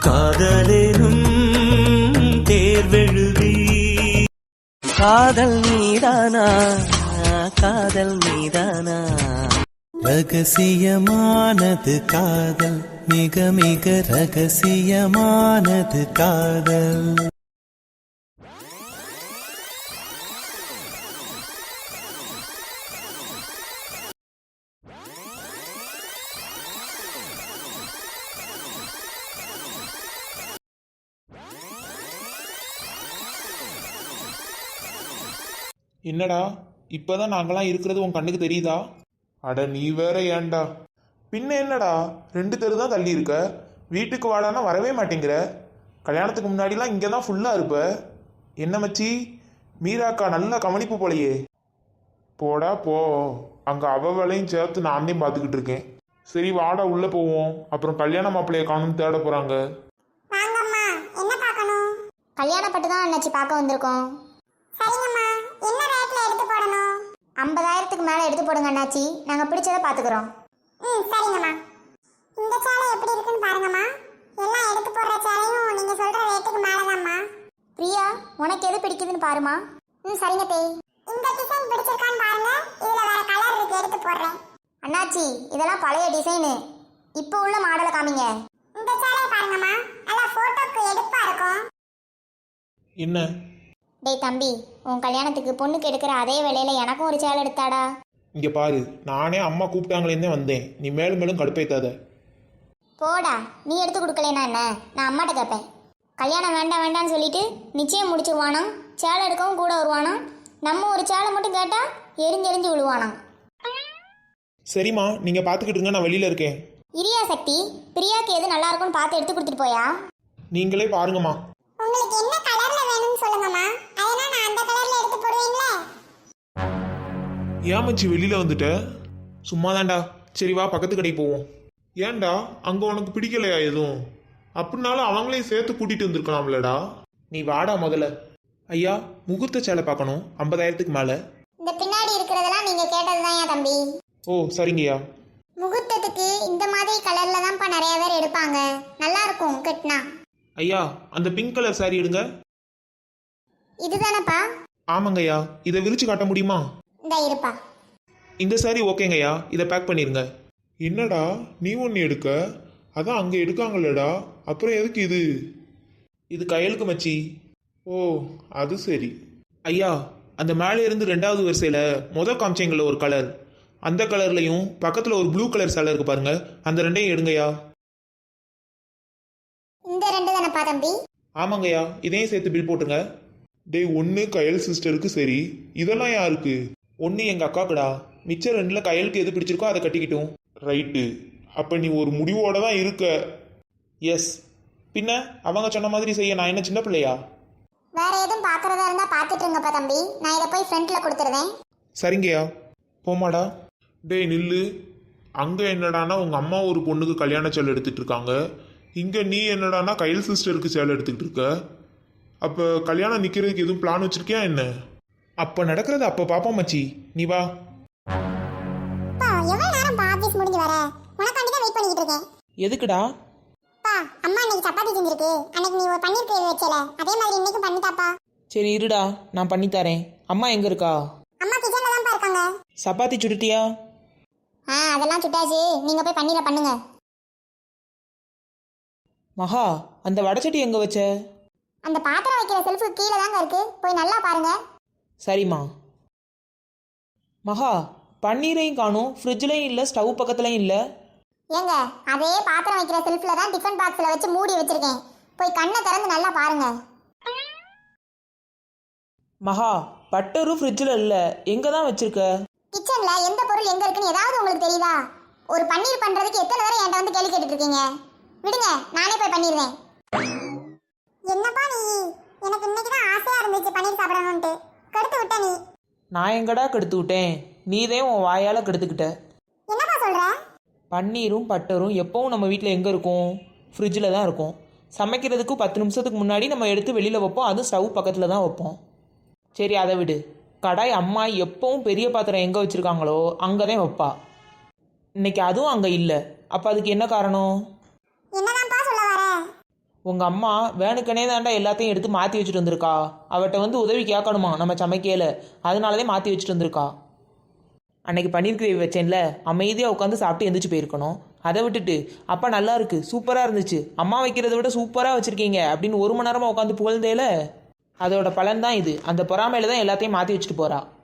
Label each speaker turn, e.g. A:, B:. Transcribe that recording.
A: காதலேனும் தேர்வெழுதி காதல் மீதானா காதல் மீதானா ரகசியமானது காதல் மிக மிக ரகசியமானது காதல்.
B: என்னடா இப்பதான் நாங்களாம் இருக்கிறது உன் கண்ணுக்கு தெரியுதா? அட நீ வேற ஏன்டா? பின்ன என்னடா 2 தெரு தான் தள்ளி இருக்க, வீட்டுக்கு வாடானா வரவே மாட்டேங்கிற. கல்யாணத்துக்கு முன்னாடிலாம் இங்கே தான் ஃபுல்லாக இருப்ப. என்ன மச்சி, மீராக்கா நல்ல கவனிப்பு போலையே. போடா போ, அங்கே அவ வேலையும் சேர்த்து நான் தான் பார்த்துக்கிட்டு இருக்கேன். சரி வாடா உள்ளே போவோம், அப்புறம் கல்யாண மாப்பிள்ளைய காணும் தேட போகிறாங்க.
C: கல்யாணப்பட்டு தான் அண்ணாச்சி பார்க்க வந்திருக்கோம். சரிங்கம்மா, என்ன ரேட்ல எடுத்து போடணும்? 50,000க்கு மேலே எடுத்து போடுங்க அண்ணாச்சி, நாங்கள் பிடிச்சதை பார்த்துக்குறோம். சரிங்கம்மா. இந்த சேலை எப்படி இருக்குன்னு பாருங்கம்மா. எல்லாம் எடுத்து போடுற சேலையும் நீங்கள் சொல்கிற ரேட்டுக்கு மேலே தான்மா. பிரியா, உனக்கு எது பிடிக்குதுன்னு பாருமா. சரிங்க தேய். இந்த டிசைன் பிடிச்சிருக்கான்னு பாருங்க, இதில் வேற கலர் இருக்கு, எடுத்து போடுறேன். அண்ணாச்சி இதெல்லாம் பழைய டிசைனு, இப்போ உள்ள மாடலை காமிங்க. இந்த சேலையை பாருங்கம்மா, நல்லா ஃபோட்டோக்கு எடுப்பாக இருக்கும்.
B: என்ன
C: டேய் தம்பி, உன் கல்யாணத்துக்கு பொண்ணுக்கு எடுக்கிற அதே வேலையில் எனக்கும் ஒரு சேலை எடுத்தாடா.
B: இங்கே பாரு, நானே அம்மா கூப்பிட்டாங்களேன்னு வந்தேன், நீ மேலும் மேலும் கடுப்பேத்தாத.
C: போடா, நீ எடுத்து கொடுக்கலனா என்ன, நான் அம்மாட்ட கேட்பேன். கல்யாணம் வேண்டாம் வேண்டான்னு சொல்லிட்டு நிச்சயம் முடிச்சிருவானா, சேலை எடுக்கவும் கூட வருவானா. நம்ம ஒரு சேலை மட்டும் கேட்டால் எரிஞ்செரிஞ்சு விழுவானா.
B: சரிம்மா, நீங்கள் பார்த்துக்கிட்டு இருங்க, நான் வெளியில் இருக்கேன்.
C: இரியா சக்தி, பிரியாக்கு எது நல்லா இருக்கும்னு பார்த்து எடுத்து கொடுத்துட்டு போயா.
B: நீங்களே பாருங்கம்மா.
C: உங்களுக்கு என்ன கலர்ல வேணும்னு சொல்லுங்கம்மா, அதனால நான் அந்த கலர்ல எடுத்து போடுவீங்களா?
B: ஏன் மச்சி வெளியில் வந்துட்ட? சும்மா தான்டா. சரி வா பக்கத்து கடைக்கு போவோம். ஏன்டா அங்கே உனக்கு பிடிக்கலையா எதுவும்? அப்படின்னாலும் அவங்களையும் சேர்த்து கூட்டிகிட்டு வந்திருக்கலாம்லடா. நீ வாடா முதல்ல. ஐயா, முகூர்த்த சேலை பார்க்கணும் 50,000க்கு மேலே.
C: இந்த பின்னாடி இருக்கிறதெல்லாம் நீங்கள் கேட்டது தான் ஏன் தம்பி.
B: ஓ சரிங்கய்யா.
C: முகூர்த்தத்துக்கு இந்த மாதிரி கலர்ல தான்ப்பா நிறைய பேர் எடுப்பாங்க, நல்லா இருக்கும் கட்டினா.
B: ஐயா, அந்த பிங்க் கலர் சாரி எடுங்க.
C: இதுதானப்பா?
B: ஆமாங்கய்யா, இதை விரிச்சு காட்ட முடியுமா?
C: இந்த இருப்பா.
B: இந்த சாரி ஓகேங்கய்யா, இதை பேக் பண்ணிருங்க. என்னடா நீ ஒன்று எடுக்க, அதான் அங்கே எடுக்காங்களடா, அப்புறம் எதுக்கு இது? இது கையலுக்கு மச்சி. ஓ அது சரி. ஐயா, அந்த மேலே இருந்து 2வது வரிசையில் முதல் காமிச்சேங்கல்ல ஒரு கலர், அந்த கலர்லையும் பக்கத்தில் ஒரு ப்ளூ கலர் சேலை இருக்கு பாருங்க, அந்த 2ஐயும் எடுங்கய்யா.
C: இந்த 2 தானப்பா தம்பி?
B: ஆமாங்கய்யா, இதையும் சேர்த்து பில் போட்டுருங்க. டேய், ஒன்று கயல் சிஸ்டருக்கு சரி, இதெல்லாம் யாருக்கு? ஒன்று எங்கள் அக்காக்குடா, மிச்சம் 2ல் கயலுக்கு எது பிடிச்சிருக்கோ அதை கட்டிக்கிட்டோம். ரைட்டு, அப்போ நீ ஒரு முடிவோட தான் இருக்க. எஸ், பின்ன அவங்க சொன்ன மாதிரி செய்ய நான் என்ன சின்ன பிள்ளையா?
C: வேற எதுவும் பார்க்கறதா இருந்தா பார்த்துட்டு இருங்கப்பா தம்பி, நான் இதை போய் ஃப்ரண்ட்ல கொடுத்துருவேன்.
B: சரிங்கய்யா. போமாடா. டேய் நில்லு. அங்கே என்னடானா உங்கள் அம்மா ஒரு பொண்ணுக்கு கல்யாண சேலை எடுத்துட்டு இருக்காங்க, இங்கே நீ என்னடானா கையல் சிஸ்டருக்கு சேலை எடுத்துக்கிட்டு இருக்க. அப்போ கல்யாணம் நிற்கிறதுக்கு எதுவும் பிளான் வச்சிருக்கியா என்ன? அப்போ நடக்கிறது அப்போ பாப்போம் மச்சி, நீ வா.
C: எவ்வளவு நேரம் ஆபீஸ் முடிஞ்சு வர, உனக்காண்டி தான் வெயிட் பண்ணிட்டு இருக்கேன்.
B: எதுக்குடா?
C: பா, அம்மா இன்னைக்கு சப்பாத்தி செஞ்சிருக்கு, அன்னைக்கு நீ ஒரு பன்னீர் கிரேவி வச்சல, அதே மாதிரி இன்னைக்கு பண்ணிட்டாப்பா.
D: சரி இருடா, நான் பண்ணி தரேன். அம்மா எங்க இருக்கா?
C: அம்மா கிச்சன்ல தான் இருக்காங்க.
D: சப்பாத்தி சுட்டுட்டியா?
C: அதெல்லாம் சுட்டாச்சு, நீங்க போய் பன்னீரை பண்ணுங்க.
D: மகா, அந்த வடச்சட்டி எங்க வச்ச?
C: அந்த பாத்திரம் வைக்கிற செல்ஃபு கீழே தாங்க இருக்கு, போய் நல்லா பாருங்க.
D: சரிம்மா. மகா, பன்னீரையும் காணும், ஃப்ரிட்ஜ்லையும் இல்லை, ஸ்டவ் பக்கத்துலையும் இல்லை.
C: ஏங்க, அதே பாத்திரம் வைக்கிற செல்ஃபில் தான் டிஃபன் பாக்ஸில் வச்சு மூடி வச்சிருக்கேன், போய் கண்ணை திறந்து நல்லா பாருங்க.
D: மகா, பட்டரும் ஃப்ரிட்ஜில் இல்லை, எங்கே தான் வச்சிருக்க?
C: கிச்சனில் எந்த பொருள் எங்கே இருக்குன்னு ஏதாவது உங்களுக்கு தெரியுதா? ஒரு பன்னீர் பண்ணுறதுக்கு எத்தனை தடவை என்கிட்ட வந்து கேள்வி கேட்டுட்டு இருக்கீங்க? விடுங்க, நானே போய் பண்ணிடுவேன். என்னப்பா நீ, எனக்கு இன்னைக்கு தான் ஆசையாக இருந்துச்சு பன்னீர் சாப்பிடணும்ட்டு, கெடுத்து விட்ட நீ.
D: நான் எங்கடா கெடுத்து விட்டேன், நீதே உன் வாயால் கெடுத்துக்கிட்ட.
C: என்னப்பா சொல்கிற?
D: பன்னீரும் பட்டரும் எப்பவும் நம்ம வீட்டில் எங்கே இருக்கும்? ஃப்ரிட்ஜில் தான் இருக்கும். சமைக்கிறதுக்கு 10 நிமிஷத்துக்கு முன்னாடி நம்ம எடுத்து வெளியில் வைப்போம், அதுவும் ஸ்டவ் பக்கத்தில் தான் வைப்போம். சரி அதை விடு. கடாய் அம்மா எப்பவும் பெரிய பாத்திரம் எங்கே வச்சுருக்காங்களோ அங்கே தான் வைப்பா. இன்னைக்கு அதுவும் அங்கே இல்லை. அப்போ அதுக்கு என்ன காரணம்?
C: என்னதான்ப்பா சொல்ல வர?
D: உங்கள் அம்மா வேணுக்கனே தாண்டா எல்லாத்தையும் எடுத்து மாற்றி வச்சுட்டு வந்திருக்கா. அவட்ட வந்து உதவி கேட்கணுமா நம்ம சமைக்கையில், அதனாலதான் மாற்றி வச்சுட்டு வந்திருக்கா. அன்னைக்கு பன்னீர் கிரேவி வச்சேன்ல, அமைதியாக உட்காந்து சாப்பிட்டு எந்திரிச்சு போயிருக்கணும். அதை விட்டுட்டு அப்பா நல்லா இருக்கு, சூப்பராக இருந்துச்சு, அம்மா வைக்கிறத விட சூப்பராக வச்சுருக்கீங்க அப்படின்னு 1 மணி நேரமாக உட்காந்து புகழ்ந்தேல, அதோட பலன் தான் இது. அந்த பொறாமையில தான் எல்லாத்தையும் மாற்றி வச்சுட்டு போகிறா.